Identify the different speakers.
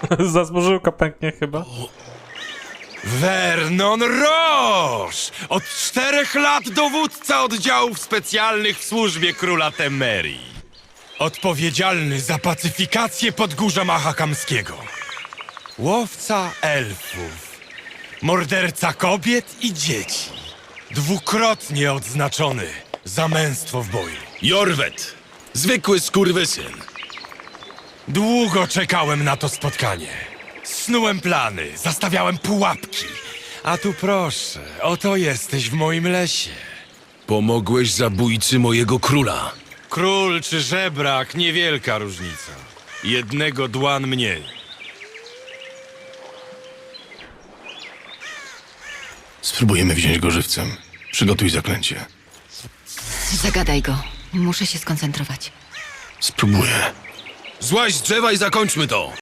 Speaker 1: Zasłużyłka pęknie chyba.
Speaker 2: Vernon Roche! Od 4 lat dowódca oddziałów specjalnych w służbie króla Temerii. Odpowiedzialny za pacyfikację Podgórza Mahakamskiego. Łowca elfów. Morderca kobiet i dzieci. Dwukrotnie odznaczony za męstwo w boju.
Speaker 3: Jorwet! Zwykły skurwysyn.
Speaker 2: Długo czekałem na to spotkanie. Snułem plany, zastawiałem pułapki. A tu proszę, oto jesteś w moim lesie.
Speaker 3: Pomogłeś zabójcy mojego króla.
Speaker 2: Król czy żebrak, niewielka różnica. Jednego dłan mniej.
Speaker 4: Spróbujemy wziąć go żywcem. Przygotuj zaklęcie.
Speaker 5: Zagadaj go. Muszę się skoncentrować.
Speaker 4: Spróbuję.
Speaker 3: Złaź z drzewa i zakończmy to!